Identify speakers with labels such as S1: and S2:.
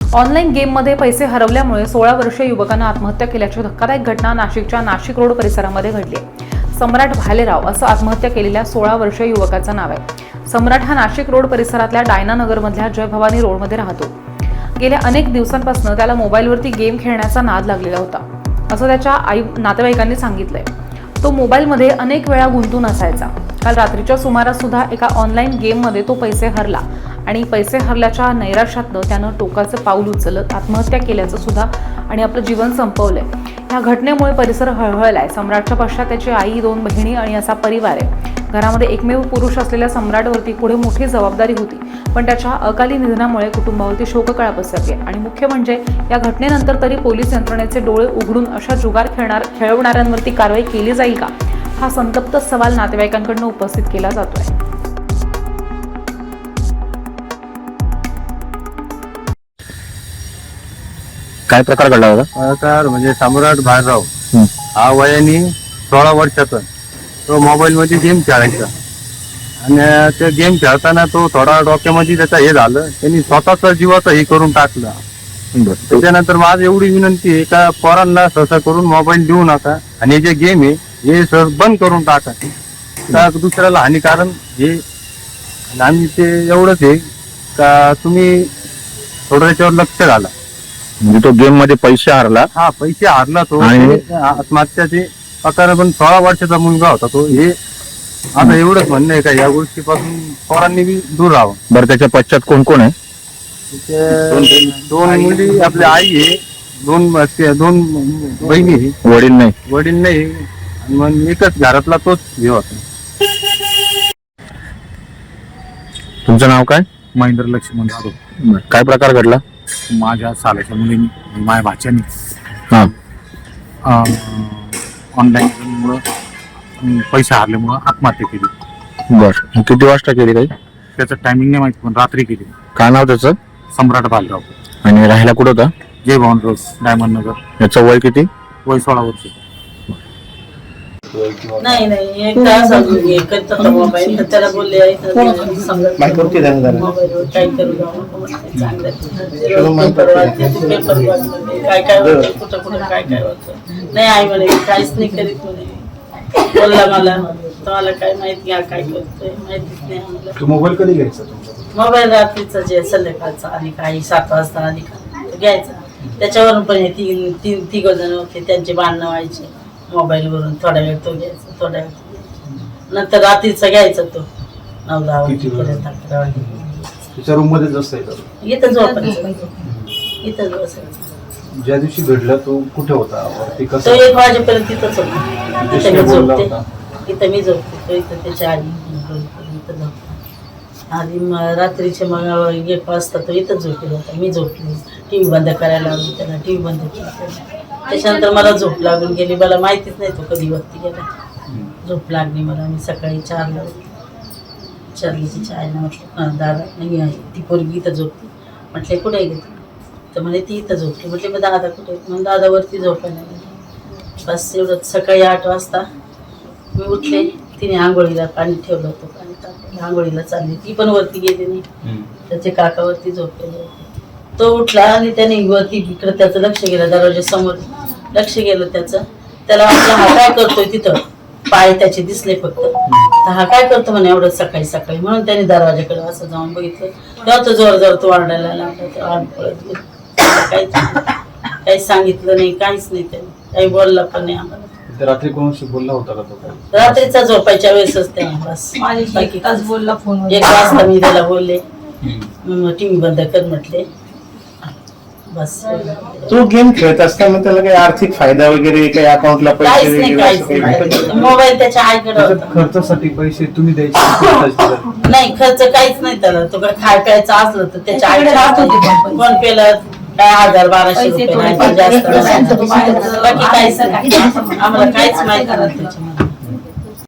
S1: Online गेममध्ये पैसे हरवल्यामुळे 16 वर्षीय युवकानं आत्महत्या केल्याची धक्कादायक घटना नाशिकच्या नाशिक रोड परिसरामध्ये घडली आहे। सम्राट भालेराव असं आत्महत्या केलेल्या 16 वर्षीय युवकाचं नाव आहे। सम्राट हा नाशिक रोड परिसरातल्या डायना नगरमधल्या जय भवानी रोडमध्ये राहतो। गेल्या अनेक दिवसांपासून त्याला मोबाईलवरती गेम खेळण्याचा नाद लागलेला होता, असं त्याच्या नातेवाईकांनी सांगितलंय। तो मोबाईलमध्ये अनेक वेळा गुंतून असायचा। काल रात्रीच्या सुमारास सुद्धा एका ऑनलाईन गेममध्ये तो पैसे हरला आणि पैसे हरल्याच्या नैराश्यातनं त्यानं टोकाचं पाऊल उचलत आत्महत्या केल्याचं सुद्धा आणि आपलं जीवन संपवलंय। या घटनेमुळे परिसर हळहळलाय। सम्राटच्या पश्चात त्याची आई, 2 बहिणी आणि असा परिवार आहे। घरामध्ये एकमेव पुरुष असलेल्या सम्राटवरती पुढे मोठी जबाबदारी होती, पण त्याच्या अकाली निधनामुळे कुटुंबावरती शोककळा पसरली आणि मुख्य म्हणजे या घटनेनंतर तरी पोलीस यंत्रणेचे डोळे उघडून अशा जुगार खेळवणाऱ्यांवरती कारवाई केली जाईल का, हा संतप्त सवाल नातेवाईकांकडून उपस्थित केला जातोय।
S2: काय प्रकार घडला होता?
S3: तर म्हणजे सम्राट भालेराव हा वयाने 16 वर्षाचा तो मोबाईल मध्ये गेम खेळायचा आणि ते गेम खेळताना तो थोडा डोक्यामध्ये त्याचा हे झालं, त्यांनी स्वतःचा जीवाचा हे करून टाकला। त्याच्यानंतर माझी एवढी विनंती आहे का पोरांना सहसा करून मोबाईल देऊ नका आणि जे गेम आहे हे सर बंद करून टाका, तर दुसऱ्याला हानिकारक हे। आम्ही ते एवढंच आहे का तुम्ही थोडं त्याच्यावर लक्ष घाला।
S2: म्हणजे तो गेम मध्ये पैसे हरला?
S3: हा, पैसे हारला तो आत्महत्याचे प्रकार, पण 16 वर्षाचा मुलगा होता तो। हे आता एवढंच म्हणणं आहे का या गोष्टीपासून पोरांनी बी दूर राहावं।
S2: बरं, त्याच्या पश्चात कोण कोण आहे?
S3: दोन मुली, आपली आई आहे, दोन बहिणी आहे,
S2: वडील नाही?
S3: वडील नाही, आणि मग एकच घरातला तोच हे होता।
S2: तुमचं नाव काय?
S4: महेंद्र लक्ष्मण जाधव।
S2: काय प्रकार घडला?
S4: माझ्या सालाच्या मुलीने, माझ्या भाच्याने
S2: हा,
S4: ऑनलाईन गेममुळं पैसे हारल्यामुळं आत्महत्या केली।
S2: बर, किती वाजता केली? काही
S4: त्याचं टायमिंग नाही माहिती, पण रात्री केली।
S2: काय नाव त्याचं?
S4: सम्राट भालेराव।
S2: आणि राहायला कुठं होता?
S4: Jai Bhavani road, diamond Nagar.
S2: याचं वय किती?
S4: वय 16 वर्ष।
S5: नाही नाही, एक तास करत होता मोबाईल, तर त्याला बोलले मोबाईलवर काय करू काय काय होतं, कुठं कुठं काय काय होतं। नाही आई म्हणे काहीच नाही करीत म्हणे, बोलला मला तुम्हाला काय माहिती आहे काय करतोय माहितीच नाही आम्हाला।
S4: मोबाईल कधी घ्यायचा?
S5: मोबाईल रात्रीचा जे संध्याकाळचा आणि काही 7 वाजता आधी घ्यायचा, त्याच्यावरून पण हे तिघ जण होते, त्यांचे भांडणं व्हायचे मोबाईलवरून। थोडा वेळ तो घ्यायचा, थोडा वेळ नंतर रात्रीचा घ्यायचा तो 9-10 वाजेपर्यंत, 11 वाजेपर्यंत।
S4: रूम मध्येच असायचा?
S5: इथं झोपायचं, इथंच बसायचं।
S4: ज्या दिवशी घडला तो कुठे होता?
S5: तो 1 वाजेपर्यंत तिथंच होता। इथं मी झोपते, इथं मी झोपते, तो इथं त्याच्या आधी इथं झोपतो। आधी रात्रीचे मग 1 वाजता तो इथं झोपला होता, मी झोपली, टीव्ही बंद करायला लावली त्याला, टीव्ही बंद केली। त्याच्यानंतर मला झोप लागून गेली, मला माहितीच नाही तो कधी वरती गेला। झोप लागली मला, मी सकाळी 4ला तिच्या आईला म्हटलं दादा नाही आहे, ती पोरगी इथं झोपली। म्हटले कुठे गेली? तर म्हणे ती इथं झोपली। म्हटले मग दादा कुठे? मग दादावरती झोपायला गेली। बस एवढंच। सकाळी 8 वाजता मी उठले, तिने आंघोळीला पाणी ठेवलं होतं, पाणी टाकलं, आंघोळीला चालली, ती पण वरती गेली नाही, त्याचे काकावरती झोपलेले होते। तो उठला आणि त्याने वरती इकडं त्याचं लक्ष गेलं, दरवाज्यासमोर लक्ष गेलं त्याचं, त्याला वाटलं हा काय करतोय, तिथं पाय त्याचे दिसले फक्त, तर हा काय करतो म्हणे एवढं सकाळी सकाळी, म्हणून त्याने दरवाजाकडे असं जाऊन बघितलं, तेव्हा तो जोर जोर तो ओरडायला लागला, तेव्हा पळत गेलो। काहीच सांगितलं नाही, काहीच नाही, त्याने काही बोलला पण नाही आम्हाला।
S4: रात्री कोणाशी बोलला होता का तो?
S5: रात्रीचा झोपायच्या वेळेसच त्याने बस
S6: बोलला फोन।
S5: 1 वाजता मी त्याला बोलले, टीव्ही बंद कर म्हटले, बस।
S7: तो गेम खेळत असताना त्याला काही आर्थिक फायदा वगैरे, काही अकाउंटला पैसे
S5: वगैरे? मोबाईल त्याच्या आईकडे होता।
S4: खर्चासाठी पैसे तुम्ही द्यायचे?
S5: नाही, खर्च काहीच नाही त्याला। तो खाय प्यायचं असलं तर त्याच्या आईकडे फोन पेला काय 1000-1200 रुपये, बाकी काहीच नाही, आम्हाला काहीच माहिती नाही त्याच्यामध्ये।